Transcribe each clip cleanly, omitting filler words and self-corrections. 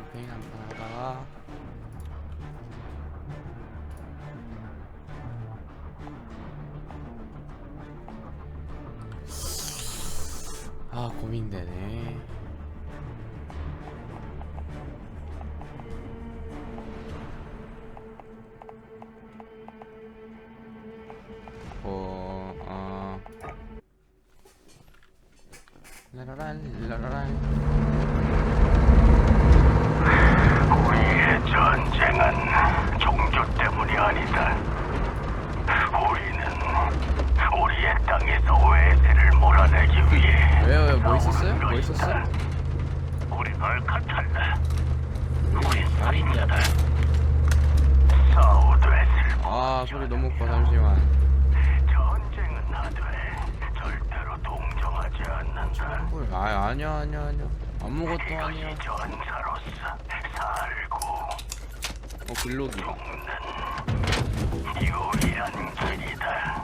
캠페인 한판 하다가 고민되네. 라라란 우리의 전쟁은 종교 때문이 아니다. 우리는 우리의 땅에서 외세를 몰아내기 위해 왜요? 뭐 있었어요? 뭐 있었어? 우린 알카탈라. 우린 살인자다. 사우드웨스를 소리 너무 커. 잠시만. 전쟁은 하되 절대로 동정하지 않는다. 아니야 아무것도 아니야. 전사로서 살고 글로기. 죽는 유일한 길이다.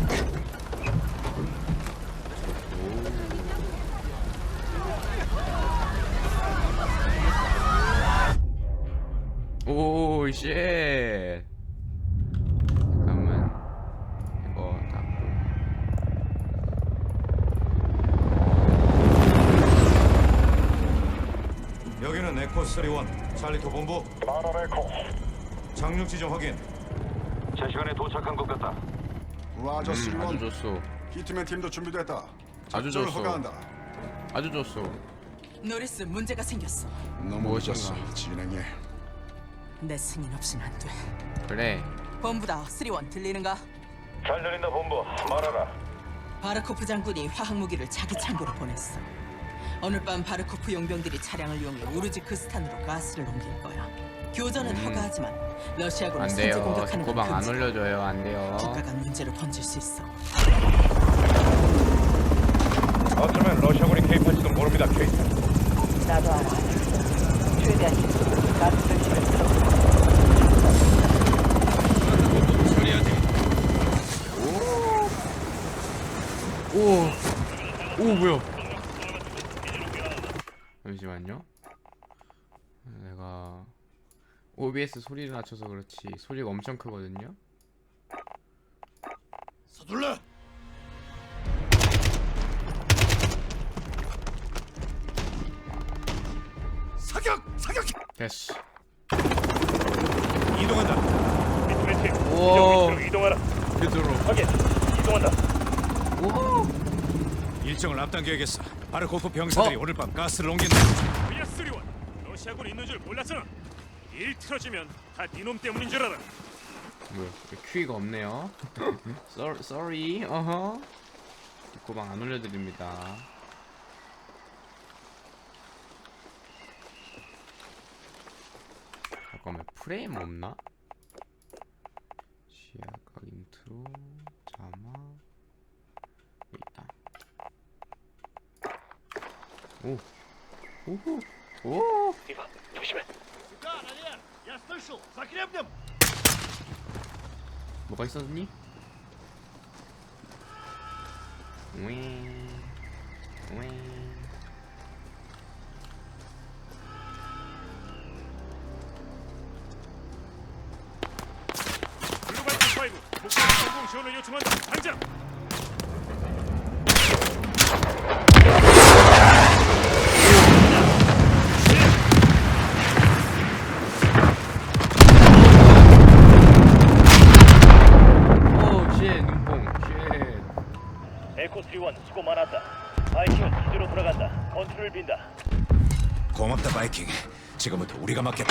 오, 쉣. 잠깐만. 이거 닫고. 여기는 에코 31 찰리토 본부. 마라 에코. 착륙 지점 확인. 제 시간에 도착한 것 같다. 라저 아주 시원 좋소. 히트맨 팀도 준비됐다. 아주 작전을 좋소. 허가한다. 아주 좋소. 노리스, 문제가 생겼어. 너무 무엇인가? 늦었어. 진행해. 내 승인 없인 안 돼. 그래. 본부다. 3원 들리는가? 잘 들린다 본부. 말하라. 바르코프 장군이 화학 무기를 자기 창고로 보냈어. 오늘 밤 바르코프 용병들이 차량을 이용해 우르지크스탄으로 가스를 옮길 거야. 교전은 허가하지만 러시아군을 안 선제 돼요. 공격하는 건 고방 안 금지. 올려줘요. 안 돼요. 국가가 문제로 번질 수 있어. 어쩌면 러시아군이 개입할지도 모릅니다, 케이트. 나도 알아. 최대한 힘으로 가스를 실어들어. 오, 뭐야? 잠시만요. 내가 OBS 소리를 낮춰서 그렇지 소리가 엄청 크거든요. 서둘러. 사격! 됐어. 이동한다. 미트맨팀, 오. 위치로 이동하라. 그대로. 확인. 이동한다. 오. 일정을 앞당겨야겠어. 바르코프 병사들이 오늘 밤 가스를 옮긴다. VS-1 러시아군 있는 줄 몰랐잖아. 일 틀어지면 다 니놈 때문인 줄 알아. 뭐야? 큐이가 없네요. Sorry. 어허. 고방 안 올려드립니다. 잠깐만 프레임 없나? 시야각 인트로 자막 있다. 오. 오호. 오. 이봐, 조심해. 뭐가 있었니? 윙. 윙. 글로벌 T5 목표 성공 지원을 요청한다. 당장. 오, 쉣, 눈뽕, 쉣. 에코 31 수고 많았다. 바이킹은 기지로 돌아간다. 컨트롤 빈다. 고맙다 바이킹. 지금부터 우리가 맡겠다.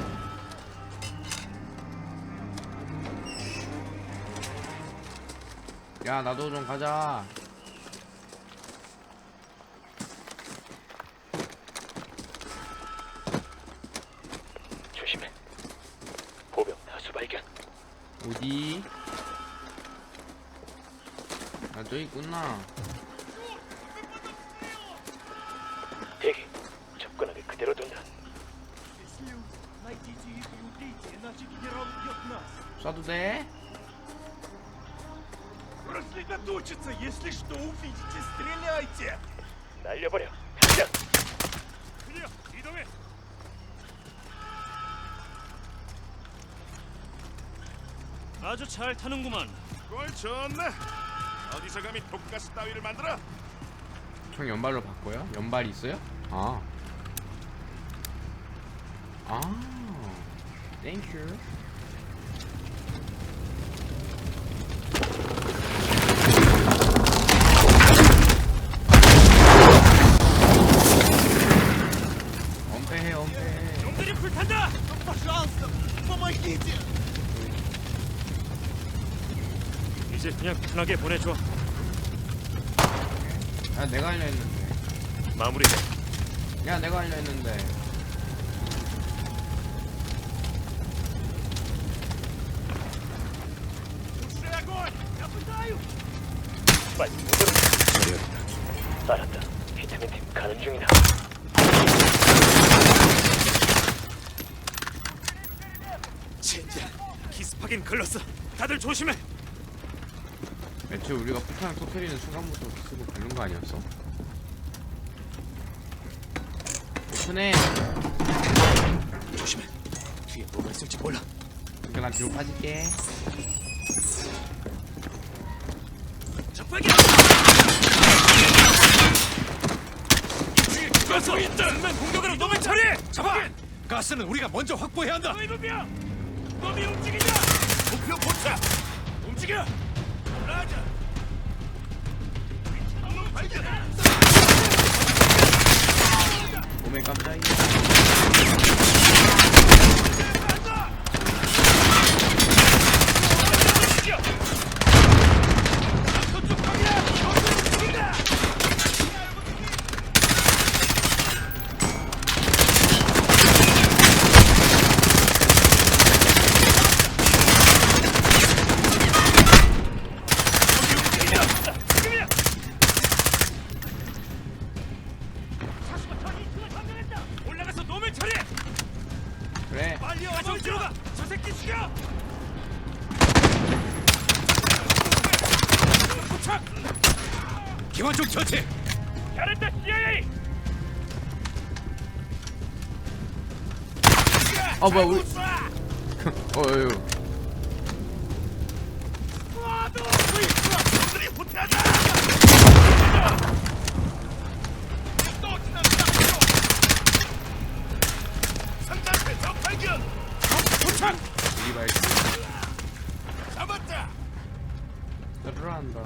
야, 나도 좀 가자. 조심해. 보병 다수 발견. 어디? 아, 저기 있구나. 대기. 접근하게 그대로 둔다. 쏴도 돼? Рассредоточиться, если что увидите, стреляйте. 날려버려. 당장. 클리어, 이동해. 아주 잘 타는구만. 꼴 좋네. 어디서 감히 독가스 따위를 만들어? 총 연발로 바꿔요? 연발이 있어요? 아. 아. 땡큐. 엄폐해 엄폐해. 놈들이 불탄다. 이제 그냥 편하게 보내줘. 야 내가 하려 했는데. 마무리해. 야 내가 하려 했는데. 빨리 모두. 알았다. 비타민 팀 가는 중이다. 젠장. 기습하긴 글렀어. 다들 조심해. 애초에 우리가 폭탄을 터뜨리는 순간부터 쓰고 긁는 거 아니었어? 오픈해. 조심해. 뒤에 뭐가 있을지 몰라. 그러니까 난 뒤로 빠질게. 적발견. 죽었어. 정면 공격으로 놈을 처리해. 잡아. 가스는 우리가 먼저 확보해야 한다. 이놈이야. 놈이 움직이자. 목표 포착. 움직여. 라자. 놈 발견. 몸에 깜짝이야. 올라가서 놈을 처리해. 그래. 빨리 와서 뒤로 가. 저 새끼 죽여. 포착. 기관총 처치. 잘했다 CIA. 아 뭐야 우리. 어유. 놈들이 후퇴하자. 또 지나간다. 상자한테 적 발견. 도착. 우리 발기. 잡았다. 들어간다.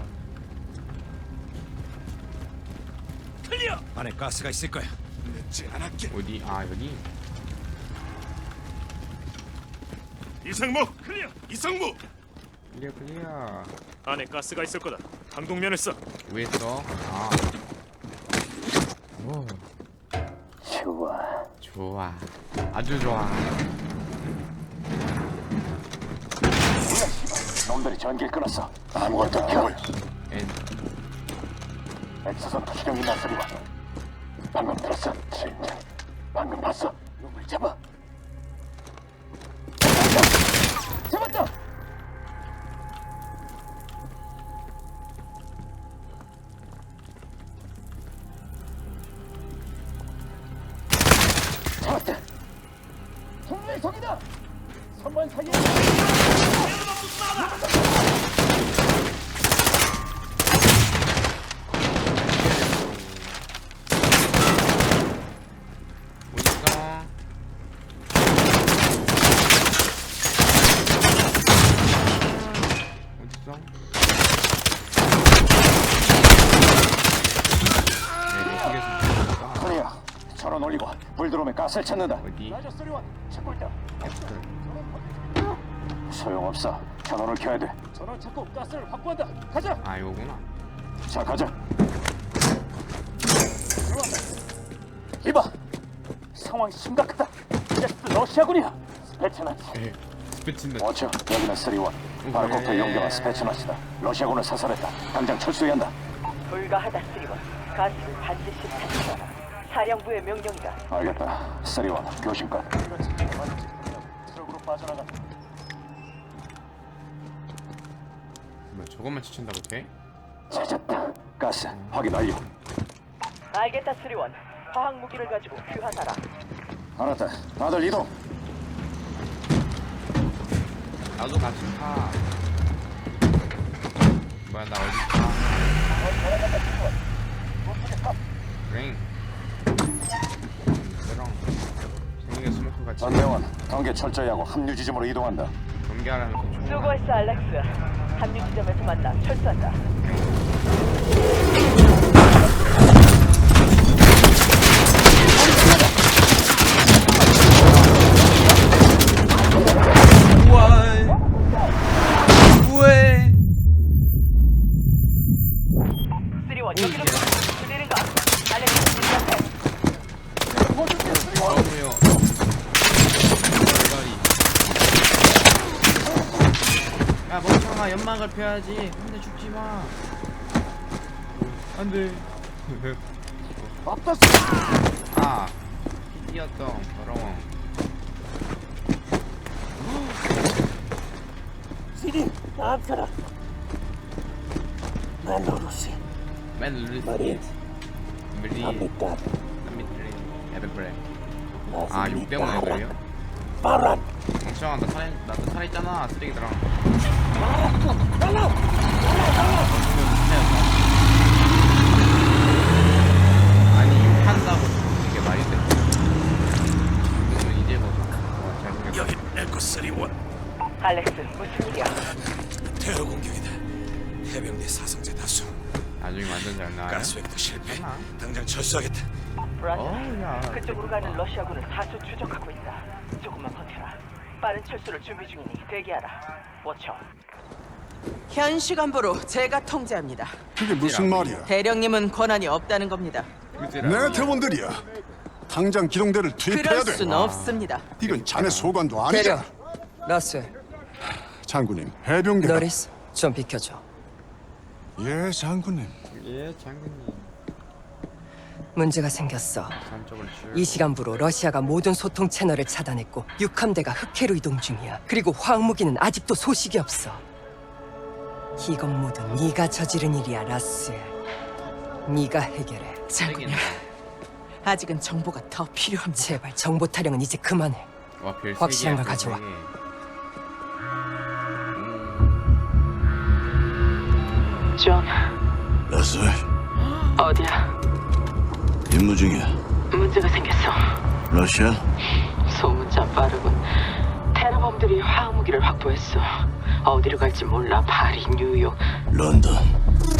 클리어. 안에 가스가 있을 거야. 늦지 않았게. 어디? 아 여기. 이상무. 클리어. 이상무. 클리어 클리어. 안에 가스가 있을 거다. 강동면을 써. 왜 써? 아. 오. 좋아. 좋아. 아주 좋아. 놈들이 전기를 끊었어. 아무것도 켜. N. 엑스선 투시경이 나서리와. 방금 들었어. 진짜. 방금 봤어. 놈을 잡아. 잡았다. 잡았다. 정말 적이다. 선반 사기. 어딨어? 어딨어? 네, 이쪽에서 죽었다. 소리야. 전원 올리고 불 들어오면 가스를 찾는다. 어디? 라저 소리원 찾고 있다. 애플. 소용없어. 전원을 켜야 돼. 전원 찾고 가스를 확보한다. 가자. 아 이거구나. 자, 가자. 이봐. 상황이 심각하다. 가스 러시아군이야. 스페츠나치. 에 스피친다. 어처 여기는 3원. 바르코프 용병한 스페츠나치다. 러시아군을 사살했다. 당장 철수해야 한다. 불가하다 쓰리원. 가스를 반드시 탈취하라. 사령부의 명령이다. 알겠다. 3원 교신관. 트럭으로 빠져나간다. 뭐 저것만 치친다고 돼? 찾았다. 가스 확인 완료. 알겠다 쓰리원. 화학 무기를 가지고 귀환하라. 알았다. 다들 이동. 나도 같이 타. 뭐야 나 어디 있어? 랭. 랑 생명의 스모크 같이 전대원, 경계 철저히 하고 합류 지점으로 이동한다. 경계하라면서 총. 수고했어, 알렉스. 합류 지점에서 만나 철수한다. 우에. 쓰리원 여기로 들리는가? 알렉스 앞에. 어우요. 야 멍청아 연막을 펴야지. 근데 죽지 마. 안돼. 아 피디였던 더러워. 시리, 나한테라. 멜로루시, 맨 루리스. 머리, 밀리. 아미따, 미트리. 에베브레. 아, 욕 때문에 그래요? 바란. 멍청아, 나도 살아있잖아, 쓰레기들아. 아니, 욕한다고 이게 말이 돼. 이거는 이제 뭐, 잘생겼다. 여기 에코 3원. 알렉스, 무슨 일이야? 테러 공격이다. 해병대 사상자 다수. 나중에 완전 잘 나와요. 가스획도 실패. 괜찮아. 당장 철수하겠다. 브라자, 야. 그쪽으로 가는 러시아군을 다수 추적하고 있다. 조금만 버텨라. 빠른 철수를 준비 중이니 대기하라. 워쳐. 현 시간부로 제가 통제합니다. 그게 무슨 말이야? 대령님은 권한이 없다는 겁니다. 내 대원들이야. 당장 기동대를 투입해야 그럴 돼. 순 없습니다. 이건 자네 소관도 아니잖아. 라스, 장군님, 해병대. 너리스, 좀 비켜줘. 예, 장군님. 예, 장군님. 문제가 생겼어. 삼쪽을 줄. 이 시간부로 러시아가 모든 소통 채널을 차단했고 육함대가 흑해로 이동 중이야. 그리고 화학무기는 아직도 소식이 없어. 이건 모두 네가 저지른 일이야, 라스. 네가 해결해. 장군님, 아직은 정보가 더 필요합니다. 제발 정보 타령은 이제 그만해. 와, 별 확실한 세 걸 개야, 가져와. 별 세 개. 존, 라스, 어디야? 임무 중이야. 문제가 생겼어. 러시아? 소문 참 빠르군. 테러범들이 화학무기를 확보했어. 어디로 갈지 몰라. 파리, 뉴욕. 런던.